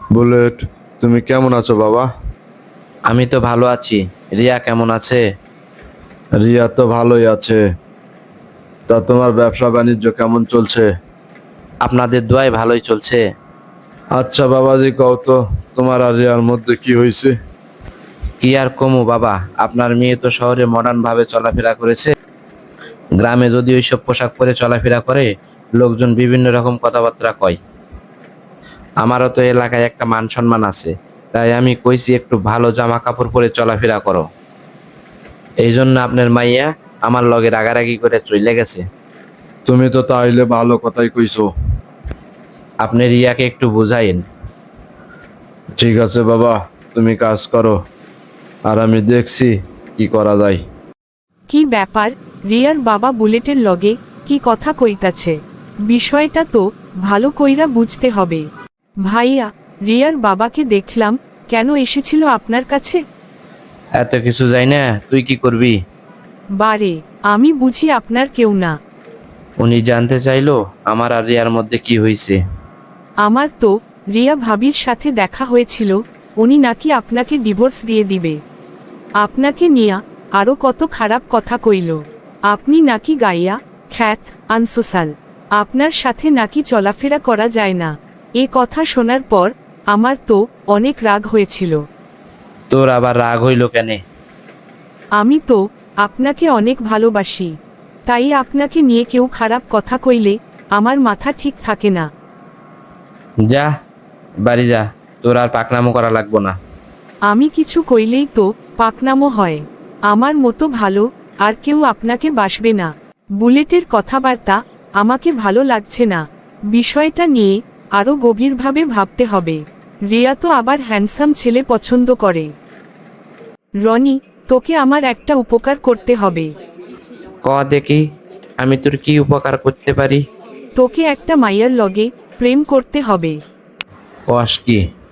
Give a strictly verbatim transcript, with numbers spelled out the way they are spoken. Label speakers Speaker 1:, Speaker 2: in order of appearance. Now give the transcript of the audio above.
Speaker 1: Bullet, তুমি কেমন আছো বাবা?
Speaker 2: আমি তো ভালো আছি। রিয়া কেমন আছে?
Speaker 1: রিয়া তো ভালোই আছে। তা তোমার ব্যবসা বাণিজ্য কেমন চলছে?
Speaker 2: আপনাদের দোয়ায় ভালোই চলছে।
Speaker 1: আচ্ছা বাবাজি, কও তো, তোমার আর রিয়ার মধ্যে কি হয়েছে?
Speaker 2: কি আর কমু বাবা, আপনার মেয়ে তো শহরে মডার্ন ভাবে চলাফেরা করেছে। গ্রামে যদি ওইসব পোশাক পরে চলাফেরা করে, লোকজন বিভিন্ন রকম কথাবার্তা কয়। আমারও তো এলাকায় একটা মান সম্মান আছে, তাই আমি কইছি একটু ভালো জামা কাপড় পরে চলাফেরা করো। এই জন্য আপনার মাইয়া আমার লগে রাগারাগি করে চলে গেছে।
Speaker 1: তুমি তো তাইলে ভালো কথাই কইছো।
Speaker 2: আপনি রিয়াকে একটু বুঝাইন।
Speaker 1: ঠিক আছে বাবা, তুমি কাজ করো, আর আমি দেখছি কি করা যায়।
Speaker 3: কি ব্যাপার? রিয়ার বাবা বুলেটের লগে কি কথা কইতাছে? বিষয়টা তো ভালো কইরা বুঝতে হবে। ভাইয়া, রিয়ার বাবাকে দেখলাম, কেন এসেছিল আপনার কাছে?
Speaker 2: এত কিছু যাই না, তুই কি করবি?
Speaker 3: বারে, আমি বুঝি আপনার কেউ না।
Speaker 2: উনি জানতে চাইলো আমার আর রিয়ার মধ্যে কি হয়েছে।
Speaker 3: আমার তো রিয়া ভাবির সাথে দেখা হয়েছিল, উনি নাকি আপনাকে ডিভোর্স দিয়ে দিবে। আপনাকে নিয়া আরো কত খারাপ কথা কইল। আপনি নাকি গাইয়া খ্যাত আনসোসাল, আপনার সাথে নাকি চলাফেরা করা যায় না। এ কথা শোনার পর আমার তো অনেক রাগ হয়েছিল।
Speaker 2: তোর আবার রাগ হইল কেনে?
Speaker 3: আমি তো আপনাকে অনেক ভালোবাসি, তাই আপনাকে নিয়ে কেউ খারাপ কথা কইলে আমার মাথা ঠিক থাকে না।
Speaker 2: যা, বাড়ি যা, তোর আর পাকনামো করা লাগবো না।
Speaker 3: আমি কিছু কইলেই তো পাকনামো হয়। আমার মতো ভালো আর কেউ আপনাকে বাসবে না। বুলেটের কথাবার্তা আমাকে ভালো লাগছে না। বিষয়টা নিয়ে আরো গভীরভাবে ভাবতে হবে। রিয়া তো আবার হ্যান্ডসাম ছেলে পছন্দ করে। রনি, তোকে আমার একটা উপকার করতে হবে।
Speaker 2: ক দেখি, আমি তোর কি উপকার করতে পারি?
Speaker 3: তোকে একটা মাইয়ার লগে প্রেম করতে হবে।
Speaker 2: কস কি?